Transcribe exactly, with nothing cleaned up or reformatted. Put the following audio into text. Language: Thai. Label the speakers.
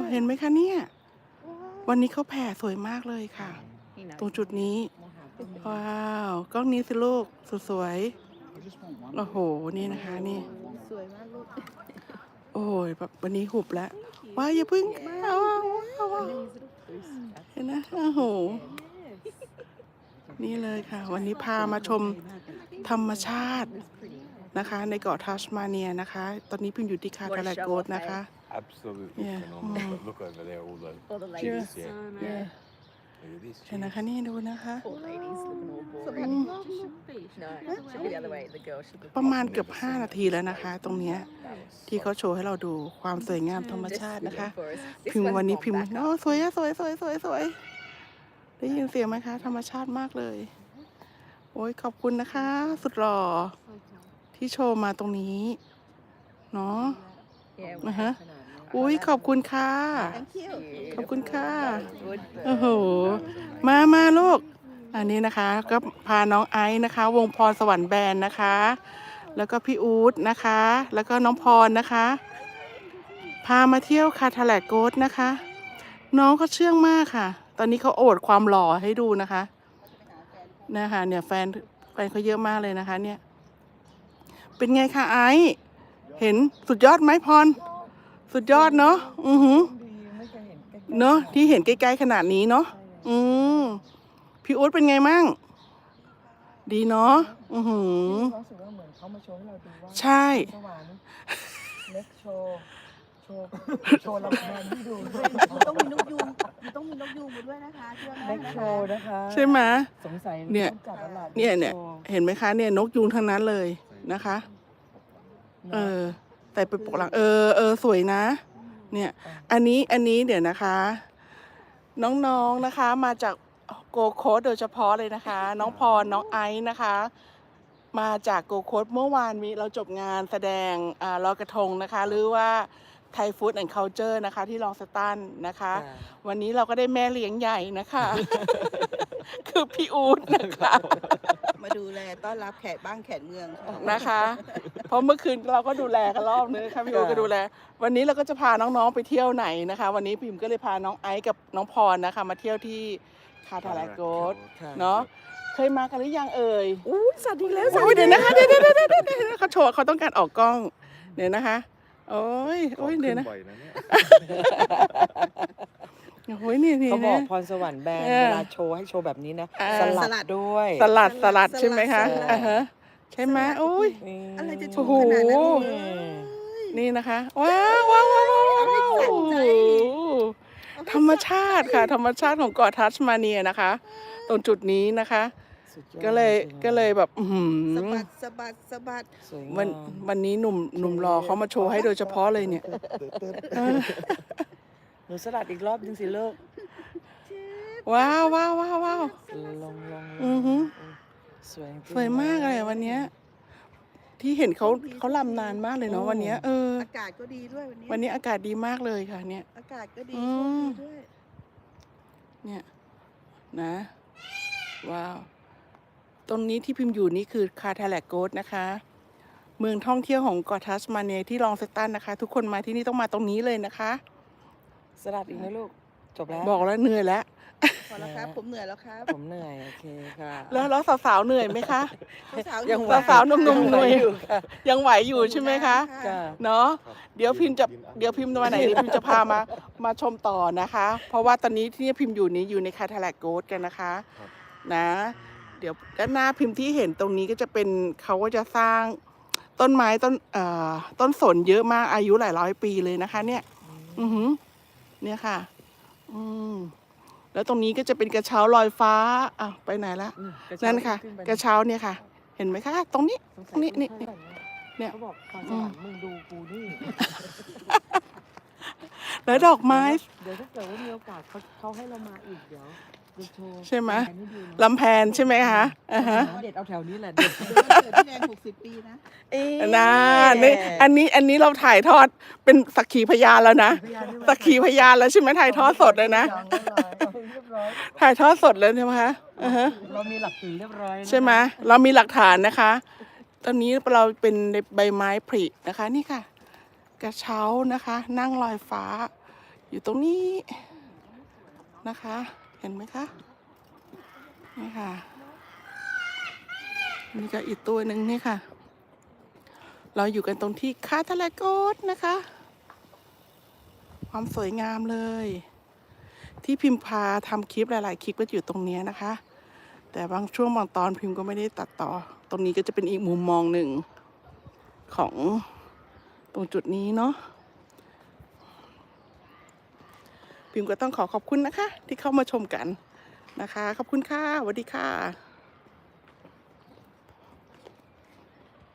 Speaker 1: เห็นไหมคะเนี่ยวันนี้เขาแผ่สวยมากเลยค่ะตรงจุดนี้ว้าวกล้องนี้สิลูกสวยๆโอ้โหนี่นะคะนี่
Speaker 2: สวยมากลูก
Speaker 1: โอ้ยแบบวันนี้หุบแล้วว้ายอย่าพึ่งว้าวเห็นนะโอ้โหนี่เลยค่ะวันนี้พามาชมธรรมชาตินะคะในเกาะทัสมาเนียนะคะตอนนี้พิมอยู่ที่คาทาลาโกสนะคะ
Speaker 3: Absolutely
Speaker 1: Yeah.
Speaker 3: phenomenal. But look over there, all the
Speaker 2: All the
Speaker 3: kids,
Speaker 2: ladies.
Speaker 3: yeah.
Speaker 1: Yeah.
Speaker 3: Look at this.
Speaker 1: เห็นนะคะนี่ดูนะคะ
Speaker 2: Poor ladies looking all
Speaker 4: สะ
Speaker 2: boring.
Speaker 4: บัด
Speaker 2: No, should be the other way. The girl should be
Speaker 1: ประมาณเกือบห้านาทีแล้วนะคะ ตรงเนี้ยที่เขาโชว์ให้เราดูความสวยงามธรรมชาตินะคะ พิมพ์วันนี้พิมพ์โอ้สวยอะสวยสวยสวยสวยได้ยินเสียงไหมคะ ธรรมชาติมากเลย โอ้ยขอบคุณนะคะ สุดหล่อที่โชว์มาตรงนี้เนาะ
Speaker 2: Yeah,
Speaker 1: นะฮะอุ้ยขอบคุณค่ะ
Speaker 2: Thank you.
Speaker 1: ขอบคุณค่ะ
Speaker 2: Good.
Speaker 1: โอ้โห มามาลูก อันนี้นะคะก็พาน้องไอซ์นะคะ วงพรสวรรค์แบนด์นะคะ แล้วก็พี่อู๊ดนะคะ แล้วก็น้องพรนะคะ พามาเที่ยวคาทาแลกโกสนะคะ น้องเขาเชื่องมากค่ะ ตอนนี้เขาโอดความหล่อให้ดูนะคะนะคะเนี่ยแฟนแฟนเขาเยอะมากเลยนะคะ เนี่ย เป็นไงคะไอซ์เห็นสุดยอดไหมพร สุดยอดเนาะอือหือเนาะที่เห็นใกล้ๆขนาดนี้เนาะอืมพี่อุ๊ดเป็นไงมั่งดีเนาะอือหือ
Speaker 4: รู้สึกว่าเหมือนเขามาโชว์ให้เราดูว่า
Speaker 1: ใช่
Speaker 4: สวรรค์เล็กโชว์โชว์โชว์ลำแพนที่ดู
Speaker 2: มันต้องมีนกยูงมันต้องมีนกยูงมาด้วยนะคะเชื่อไหม
Speaker 4: เล็ก
Speaker 2: นะ
Speaker 4: โช
Speaker 2: คะ
Speaker 4: ว์นะคะ
Speaker 1: ใช่ไหม
Speaker 4: สงสัย
Speaker 1: เนี่ย
Speaker 4: ต้องจัดตลาด
Speaker 1: เนี่ยเนี่ย
Speaker 4: โชว์
Speaker 1: เห็นไหมคะเนี่ยนกยูงทั้งนั้นเลยนะคะ เออแต่ไปปกหลังเออเออสวยนะ เนี่ยอันนี้อันนี้เดี๋ยวนะคะ น้องๆนะคะมาจากโกโคสโดยเฉพาะเลยนะคะ น้องพรน้องไอซ์นะคะ มาจากโกโคสเมื่อวานมีเราจบงานแสดงอ่าลอยกระทงนะคะ หรือว่าไทยฟู้ดแอนด์คัลเจอร์นะคะที่ลองสตันนะคะ วันนี้เราก็ได้แม่เลี้ยงใหญ่นะคะ คือพี่อู๊ดนะคะ
Speaker 2: มาดูแลต้อนรับแขกบ้านแขกเมืองค่ะ
Speaker 1: นะคะ เพราะเมื่อคืนเราก็ดูแลกันรอบนึงค่ะพี่อู๊ดก็ดูแล วันนี้เราก็จะพาน้องๆไปเที่ยวไหนนะคะ วันนี้พิมก็เลยพาน้องไอซ์กับน้องพรนะคะ มาเที่ยวที่คาทาลาโกส
Speaker 4: ค่ะ
Speaker 1: เนาะเคยมากันหรือยังเอ่ย
Speaker 4: อู้สัตว์อีกแล้ว
Speaker 1: โอ้ยเดี๋ยวนะคะเดี๋ยวเดี๋ยวเดี๋ยวเดี๋ยวเดี๋ยวเขาโชว์เขาต้องการออกกล้องเดี๋ยวนะคะ โอ้ยโอ้ยเดี๋ยวนะ
Speaker 3: ขึ้นบ่อยนะเนี่ย
Speaker 1: โอ้ยนี่นี่
Speaker 4: เขาบอก
Speaker 1: นะ
Speaker 4: พรสวรรค์แบนด์
Speaker 1: เออ
Speaker 4: เวลาโชว์ให้โชว์แบบนี้นะ
Speaker 1: อ่า
Speaker 4: สลัดด้วย
Speaker 1: สลัดสลัดใช่ไหมคะ
Speaker 4: สลัด
Speaker 1: อ่าฮะใช่ไหมโอ้ย
Speaker 4: นี่
Speaker 2: อะไรจะ
Speaker 1: โอ้
Speaker 2: ชู
Speaker 1: โห
Speaker 2: ขนาดนั้น
Speaker 4: เอ
Speaker 2: เลย
Speaker 4: อ
Speaker 1: นี่นะคะว้าวว้าวว้าวว้าวว้าวโอ้โหธรรมชาติค่ะ ธรรมชาติของเกาะทัสมาเนียนะคะ ตรงจุดนี้นะคะ
Speaker 4: สุดอด
Speaker 1: ก็เลย
Speaker 4: สวงาม
Speaker 1: ก็เลยแบบอื้อหื
Speaker 2: สะ
Speaker 1: อ
Speaker 2: บัดสะบัดสะบัด
Speaker 4: สวยงาม
Speaker 1: วันวันนี้หนุ่มหนุ่มรอเขามาโชว์ให้โดยเฉพาะเลยเนี่ย
Speaker 4: หนูสลัดอีกรอบนึงสิลูก
Speaker 1: ว้าวว้าวว้าวว้าว
Speaker 4: ลงลงลง
Speaker 1: อือหือ
Speaker 4: สวยจริง
Speaker 1: สวยมากเลยวันเนี้ยที่เห็นเขาเขาลำนานมากเลยเนาะวันเนี้ยเออ
Speaker 2: อากาศก็ดีด้วยวันนี้
Speaker 1: วันนี้อากาศดีมากเลยค่ะเนี่ย
Speaker 2: อากาศก็ดี
Speaker 1: อื
Speaker 2: โชค
Speaker 1: ม
Speaker 2: ดีด้วย
Speaker 1: เนี่ยนะว้าวตรงนี้ที่พิมพ์อยู่นี่คือคาทาแลกโกสนะคะ เมืองท่องเที่ยวของเกาะทัสมาเนียที่ลองสตันนะคะ ทุกคนมาที่นี่ต้องมาตรงนี้เลยนะคะ
Speaker 4: สลัดอีกนะลูก จบแล้ว
Speaker 1: บอกแล้วเหนื่อยแล้ว
Speaker 2: พอแล้วครับ ผมเหนื่อยแล้วครับ
Speaker 4: ผมเหนื่อย โอเคค่ะ
Speaker 1: แล้วแล้วสาวๆเหนื่อยไหมคะ
Speaker 2: สาวๆอ
Speaker 4: ยัง
Speaker 2: ยู่
Speaker 4: ไหว
Speaker 1: สาวๆหนุ่มๆเหนื่อย
Speaker 4: อยู่ค่ะ
Speaker 1: ยังไหวอยู่ใช่ไหมคะ
Speaker 4: จ้ะ
Speaker 1: เนาะเดี๋ยวพิมพ์จะเดี๋ยวพิมพ์วันไหนเดี๋ยวพิมพ์จะพามามาชมต่อนะคะ เพราะว่าตอนนี้ที่พิมพ์อยู่นี้อยู่ในคาทาแลกโกสกันนะคะ
Speaker 3: ครับ
Speaker 1: นะ เดี๋ยวด้านหน้าพิมพ์ที่เห็นตรงนี้ก็จะเป็นเขาก็จะสร้างต้นไม้ต้นเอ่อต้นสนเยอะมากอายุหลายร้อยปีเลยนะคะ เนี่ย อือหือเนี่ยค่ะ อืมแล้วตรงนี้ก็จะเป็นกระเช้าลอยฟ้าอ่ะไปไหนละ
Speaker 4: อืมกรเช้า
Speaker 1: นั่นค่ะ
Speaker 4: ขึ้ไป
Speaker 1: กระเช้าเนี่ยค่ะ เห็นไหมคะ ตรงนี้
Speaker 4: สง
Speaker 1: ต
Speaker 4: สั
Speaker 1: รง
Speaker 4: ย
Speaker 1: นี้นี่
Speaker 4: คุณ
Speaker 1: นี่
Speaker 4: ท่า
Speaker 1: เนี่ย
Speaker 4: เขาบอกพรสวรรค์มึงดูกูนี่
Speaker 1: แล้วดอกไม้
Speaker 4: เดี๋ยวถ้าเกิดว่ามีโอกาสเขาเขาให้เรามาอีกเดี๋ยวจะโชว์
Speaker 1: ใช่ไหม
Speaker 4: แผนให้ดูนะ
Speaker 1: ลำแพนใช่ไหมคะอ่าฮะ
Speaker 4: เด็ดเอาแถวนี้แหละเด็ด
Speaker 2: เดี๋ยววันเกิดพี่แดงหกสิบปีนะ
Speaker 4: เอ๊ะ
Speaker 1: นะนี่อันนี้อันนี้เราถ่ายทอดเป็นสักขีพยานแล้วนะสักขีพยานแล้วใช่ไหมถ่ายทอดสดเลยนะ
Speaker 4: เรียบร้อย
Speaker 1: ถ่ายทอดสดเลยใช่ไหมคะอ่าฮะ
Speaker 4: เรามีหลักฐานเรียบร้อยนะคะ
Speaker 1: ใช่ไหมเรามีหลักฐานนะคะ ตอนนี้เราเป็นใบไม้ผลินะคะ นี่ค่ะ กระเช้านะคะ นั่งลอยฟ้าอยู่ตรงนี้นะคะ เห็นไหมคะนี่ค่ะนี่ก็อีกตัวหนึ่งนี่ค่ะ เราอยู่กันตรงที่คาทาลาโกสนะคะ ความสวยงามเลย ที่พิมพาทำคลิปหลายๆคลิปก็อยู่ตรงนี้นะคะ แต่บางช่วงบางตอนพิมก็ไม่ได้ตัดต่อ ตรงนี้ก็จะเป็นอีกมุมมองหนึ่งของตรงจุดนี้เนาะพิมก็ต้องขอขอบคุณนะคะ ที่เข้ามาชมกันนะคะ ขอบคุณค่ะสวัสดีค่ะ